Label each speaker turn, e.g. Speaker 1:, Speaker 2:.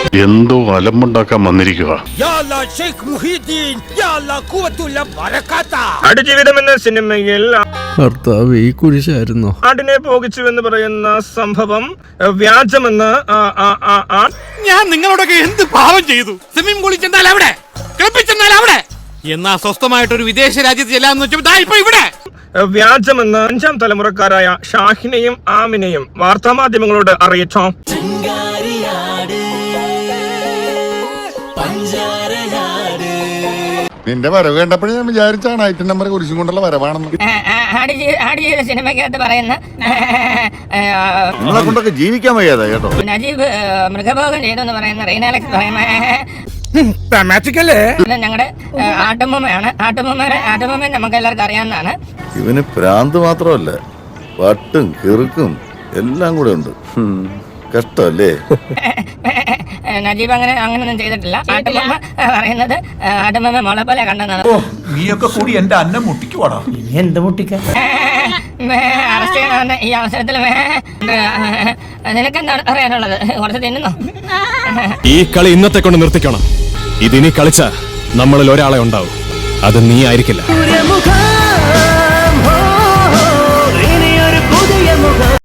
Speaker 1: എന്തോ അലമ്പുണ്ടാക്കാൻ വന്നിരിക്കുക.
Speaker 2: ആടുജീവിതം എന്ന സിനിമയിൽ
Speaker 3: ഭർത്താവ് ഈ കുരിശായിരുന്നോ?
Speaker 2: ആടിനെ പോകിച്ചു എന്ന് പറയുന്ന സംഭവം വ്യാജമെന്ന്
Speaker 4: ഞാൻ നിങ്ങളോടൊക്കെ എന്ത് പാവം ചെയ്തു? സ്വിമ്മിംഗ് പൂളിൽ ചെന്നാൽ അവിടെ, ക്ലബിൽ ചെന്നാൽ അവിടെ, എന്നാ സ്വസ്ഥമായിട്ടൊരു വിദേശ രാജ്യത്ത് ചെല്ലാന്ന് വെച്ചാൽ ഇപ്പൊ ഇവിടെ
Speaker 2: വ്യാജമെന്ന് 5ാം തലമുറക്കാരായ ഷാഹിനെയും ആമിനെയും വാർത്താമാധ്യമങ്ങളോട് അറിയിച്ചോ.
Speaker 5: നിന്റെ വരവ് കണ്ടപ്പോഴേ ഞാൻ വിചാരിച്ചാണ് ഐറ്റം നമ്പർ കുരിശും കൊണ്ടുള്ള വരവാണെന്ന്.
Speaker 6: ആടുജീവിത സിനിമയ്ക്കകത്ത് പറയുന്ന
Speaker 5: നിങ്ങളെ കൊണ്ടൊക്കെ ജീവിക്കാൻ വയ്യാതാ കേട്ടോ.
Speaker 6: നജീബ് മൃഗഭോഗം ചെയ്തു എന്ന് പറയുന്ന റീനാലക്സ് പറയുന്ന ഞങ്ങളുടെ ആട്ടുമ്മയാണ്. ആട്ടുമ്മ നമുക്ക് എല്ലാവർക്കും അറിയാവുന്നതാണ്.
Speaker 5: ഇവന് പ്രാന്ത് മാത്രമല്ല, വട്ടും കിറുക്കും എല്ലാം കൂടെ ഉണ്ട്. കഷ്ടല്ലേ?
Speaker 6: നജീബ് അങ്ങനെയൊന്നും ചെയ്തിട്ടില്ല. ആട്ടുമ്മ പറയുന്നത് ആട്ടുമ്മ മോളെ പോലെ കണ്ടെന്നാണ്.
Speaker 7: നീയൊക്കെ കൂടി എന്റെ അന്നം മുട്ടിക്കുവാടാ.
Speaker 6: എന്ത് മുട്ടിക്ക അറസ്റ്റ് ചെയ്യണമെന്ന് ഈ അവസരത്തിൽ നിനക്കെന്താണ് പറയാനുള്ളത്? കുറച്ച് തിന്നുന്നോ?
Speaker 8: ഈ കളി ഇന്നത്തെ കൊണ്ട് നിർത്തിക്കണം. ഇതിനി കളിച്ച നമ്മളിൽ ഒരാളെ ഉണ്ടാവും. അത് നീ ആയിരിക്കില്ല.